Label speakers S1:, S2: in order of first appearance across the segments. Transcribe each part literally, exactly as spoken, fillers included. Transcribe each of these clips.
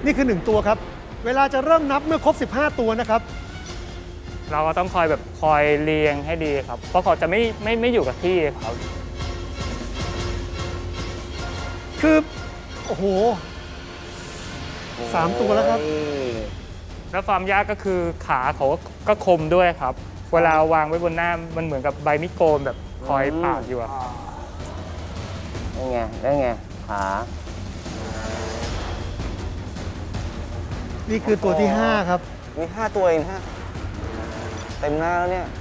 S1: นี่คือหนึ่งตัวครับเวลาจะเริ่มนับเมื่อครบสิบห้าตัวนะครับ
S2: เราก็ต้องคอยแบบคอยเรียงให้ดีครับเพราะเขาจะไม่ไม่ไม่อยู่กับที่ครับ
S1: คือโอ้โหสามตัวแล้วครับ
S2: แล้วความยากก็คือขาเขาก็คมด้วยครับ เวลาวางไว้บนหน้ามันเหมือนกับใบมิโกนแบบคอยปาดอยู่อะครับ
S3: ได้ไงได้ไงขา
S1: นี่คือตัวที่ห้าครับ
S3: มีห้าตัวเองฮะเต็มหน้าแล้วเนี่ย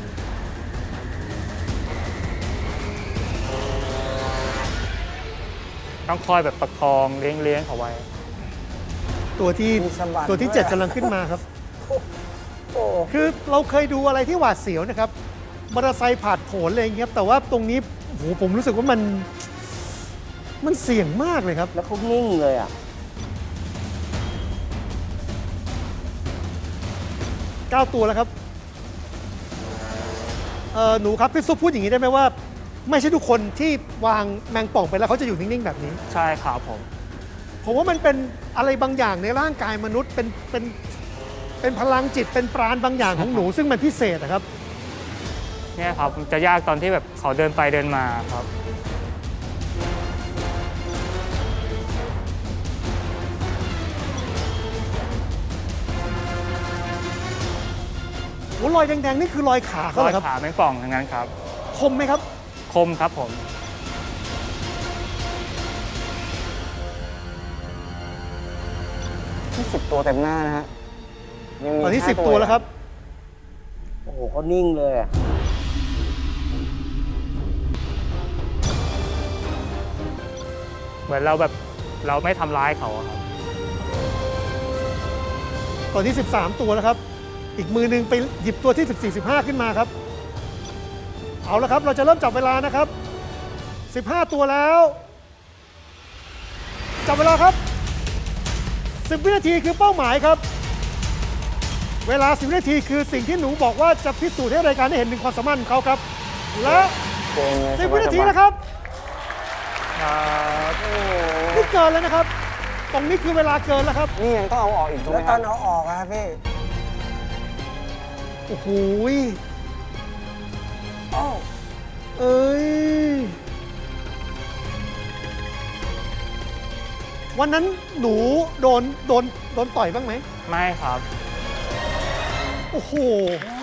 S2: ต้องคอยแบบประคองเลี้ยงเลี้ยงเขาไว้
S1: ตัวที่ตัวที่เจ็ดกำลังขึ้นมาครับคือเราเคยดูอะไรที่หวาดเสียวนะครับมอเตอร์ไซค์ผ่านโผล่อะไรอย่างเงี้ยแต่ว่าตรงนี้โอ้โหผมรู้สึกว่ามันมันเสี่ยงมากเลยครับ
S3: แล้วเขานิ่งเลยอ่ะ
S1: เก้าตัวแล้วครับเออหนูครับพี่ซุปพูดอย่างนี้ได้ไหมว่าไม่ใช่ทุกคนที่วางแมงป่องไปแล้วเขาจะอยู่นิ่งๆแบบนี้
S2: ใช่ครับผม
S1: ผมว่ามันเป็นอะไรบางอย่างในร่างกายมนุษย์เป็นเป็นเป็นพลังจิตเป็นปราณบางอย่างของหนู ซึ่งมันพิเศษนะครับ
S2: เนี่ยครับจะยากตอนที่แบบเขาเดินไปเดินมาครับ
S1: โอ้รอยแดงๆนี่คือรอยขาเขา
S2: ร
S1: เห
S2: อ
S1: ร
S2: ย
S1: อครับ
S2: ขาแมงป่องทั้งนั้นครับ
S1: คมไหมครับ
S2: คมครับผม
S3: ที่สิบตัวเต็มหน้านะฮะ
S1: ตอนนี้สิบตัวแล้วครับ
S3: โอ้โหเขานิ่งเลยอ่ะ
S2: เหมือนเราแบบเราไม่ทำร้ายเขาครับ
S1: ตอนนี้สิบสามตัวแล้วครับอีกมือหนึ่งไปหยิบตัวที่สิบสี่ สิบห้าขึ้นมาครับเอาละครับเราจะเริ่มจับเวลานะครับสิบห้าตัวแล้วจับเวลาครับสิบวินาทีคือเป้าหมายครับเวลาสิบวินาทีคือสิ่งที่หนูบอกว่าจะพิสูจน์ให้รายการได้เห็นถึงความสามารถของเขาครับและสิบวินาทีนะครับนี่เกินแล้วนะครับตรงนี้คือเวลาเกินแล้วครับ
S3: นี่ยังต้องเอาออกอีกถูกไหมครับแล้วตอนเอาออกครับพี่
S1: โอ้โหเอ้ยวันนั้นหนูโดนโดนโดนต่อยบ้างไหม
S2: ไม่ครับ
S1: โอ้โห